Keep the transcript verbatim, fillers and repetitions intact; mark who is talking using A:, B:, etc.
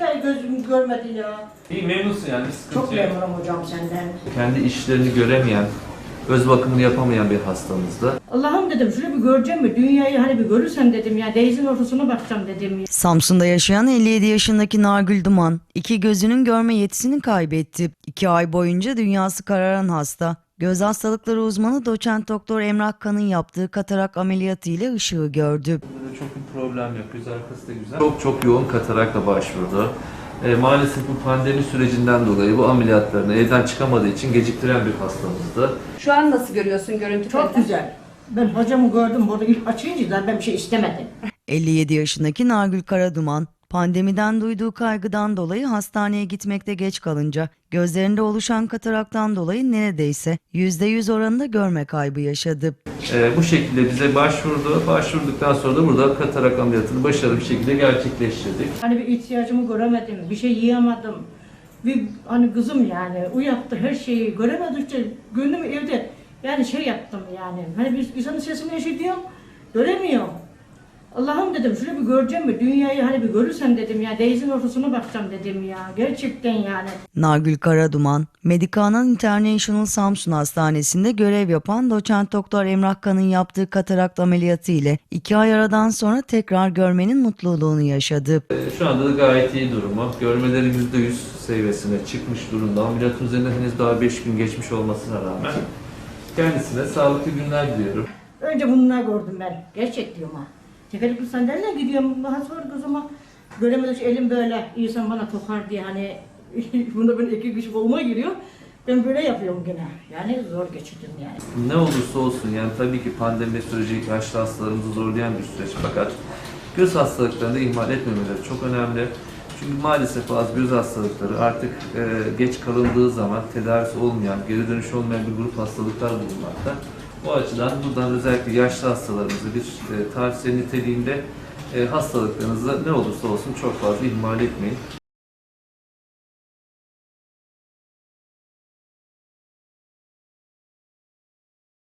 A: iki ay gözüm görmedi ya.
B: İyi, memnunsun yani, bir sıkıntı
A: Çok
B: yok.
A: memnunum hocam senden.
B: Kendi işlerini göremeyen, öz bakımını yapamayan bir hastamızda.
A: Allah'ım dedim şunu bir göreceğim mi? Dünyayı hani bir görürsem dedim ya. Denizin ortasına bakacağım dedim.
C: Samsun'da yaşayan elli yedi yaşındaki Nargül Duman, iki gözünün görme yetisini kaybetti. İki ay boyunca dünyası kararan hasta, göz hastalıkları uzmanı doçent doktor Emrah Kan'ın yaptığı katarak ameliyatı ile ışığı gördü.
B: Burada çok bir problem yok, göz arkası da güzel. Çok çok yoğun katarakla başvurdu. E, maalesef bu pandemi sürecinden dolayı bu ameliyatlarını evden çıkamadığı için geciktiren bir hastamızdı.
D: Şu an nasıl görüyorsun görüntü?
A: Çok
D: kalitesi?
A: güzel. Ben hocamı gördüm burada ilk açınca da ben bir şey istemedim.
C: elli yedi yaşındaki Nargül Karaduman, pandemiden duyduğu kaygıdan dolayı hastaneye gitmekte geç kalınca gözlerinde oluşan kataraktan dolayı neredeyse yüzde yüz oranında görme kaybı yaşadı.
B: E, bu şekilde bize başvurdu. Başvurduktan sonra da burada katarak ameliyatını başarılı bir şekilde gerçekleştirdik.
A: Hani bir ihtiyacımı göremedim, bir şey yiyemedim. Bir hani kızım yani uyattı her şeyi göremedikçe gönlüm evde yani şey yaptım yani. Hani bir insanın sesini işitiyorum, göremiyorum. Allah'ım dedim şunu bir göreceğim mi? Dünyayı hani bir görürsem dedim ya. Denizin ortasına bakacağım dedim ya. Gerçekten yani.
C: Nargül Karaduman, Medicana International Samsun Hastanesi'nde görev yapan doçent doktor Emrah Kan'ın yaptığı katarakt ameliyatı ile iki ay aradan sonra tekrar görmenin mutluluğunu yaşadı.
B: E, şu anda da gayet iyi durumu. Görmeleri yüzde yüz seviyesine çıkmış durumda. Ameliyatın üzerinde henüz daha beş gün geçmiş olmasına rağmen kendisine sağlıklı günler diliyorum.
A: Önce bunları gördüm ben. Gerçek diyorum ha. Tekerlekli sandalyeyle gidiyorum. Daha sonra kızıma göremedikçe elim böyle insan bana tokar diye hani bunda böyle iki kişi koluma giriyor. Ben böyle yapıyorum gene. Yani zor geçirdim yani.
B: Ne olursa olsun yani tabii ki pandemi süreci yaşlı hastalarımızı zorlayan bir süreç, fakat göz hastalıklarını da ihmal etmemeleri çok önemli. Çünkü maalesef bazı göz hastalıkları artık e, geç kalındığı zaman tedavisi olmayan, geri dönüş olmayan bir grup hastalıklar bulunmakta. O açıdan buradan özellikle yaşlı hastalarımızı bir e, tavsiye niteliğinde e, hastalıklarınızı ne olursa olsun çok fazla ihmal etmeyin.